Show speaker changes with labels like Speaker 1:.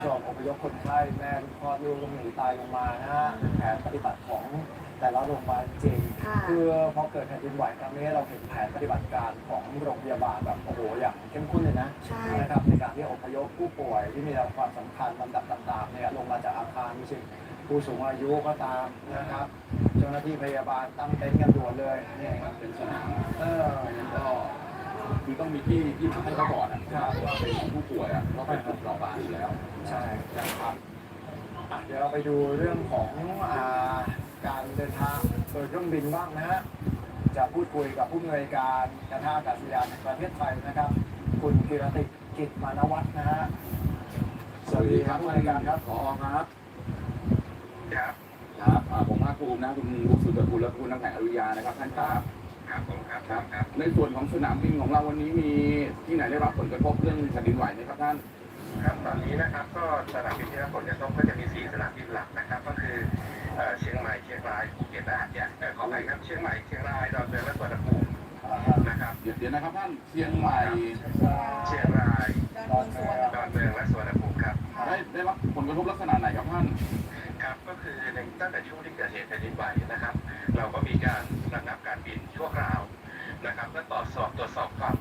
Speaker 1: ส่งอพยพคนไข้แม่คลอดลูกต้องหนีตายลงมานะฮะแผนปฏิบัติของแต่ละโรงพยาบาลจริงคือพอเกิดแผ่นดินไหวครั้งนี้เราเห็นแผนปฏิบัติการของโรงพยาบาลแบบโอ้โหอย่างเข้มข้นเลยนะนะครับในการที่อพยพผู้ป่วยที่มีความสำคัญลำดับต่างๆเนี่ยลงมาจากอาคารไม่ใช่ผู้สูงอายุก็ตามนะครับเจ้าหน้าที่พยาบาลตั้งเต็นท์กันด่วนเลยเนี่ย
Speaker 2: เป็นสนามก็คือต้องมีที่พักให้เขาก่อนนะครับว่าเป็นของผู้ป่วยก็เป็นกลุ่มเปราะบางอยู่แล้ว
Speaker 1: ใช่นะครับเดี๋ยวเราไปดูเรื่องของการเดินทางโดยเครื่องบินบ้างนะฮะจะพูดคุยกับผู้อำนวยการการท่าอากาศยานแห่งประเทศไทยนะครับคุณกิรติกิจมานวัฒน์นะฮะสวัสดีครับผู้อำนวยการครับ
Speaker 2: ผอครับ
Speaker 3: ครับ
Speaker 2: ครับผมภาคภูมินะคุณบุสุตกุลและคุณนักแข่งอริยานะครับท่านครับ
Speaker 3: ครับผมครับ
Speaker 2: ในส่วนของสนามบินของเราวันนี้มีที่ไหนได้รับผลกระทบเรื่องแผ่นดินไหวไหมครับท่าน
Speaker 3: ครับตอนนี้นะครับก็สนามบินที่รับผลกระทบก็จะมี4สนามบินหลักนะครับก็คือเชียงใหม่เชียงรายภูเก็ตและหาดใหญ่ขออภัยครับเชียงใหม่เชียงรายดอนเมืองและสุวรรณภูมินะครับ
Speaker 2: เดี๋ยวนะครับท่านเชียงใหม่
Speaker 3: เชียงรายดอนเมืองและสุวรรณภูมิครับ
Speaker 2: ได้รับผลกระทบลักษณะไหนครับท่าน
Speaker 3: ครับก็คือในตั้งแต่ช่วงที่เกิดเหตุแผ่นดินไหวนะครับเราก็มีการระงับการบินชั่วคราวนะครับและตรวจสอบความ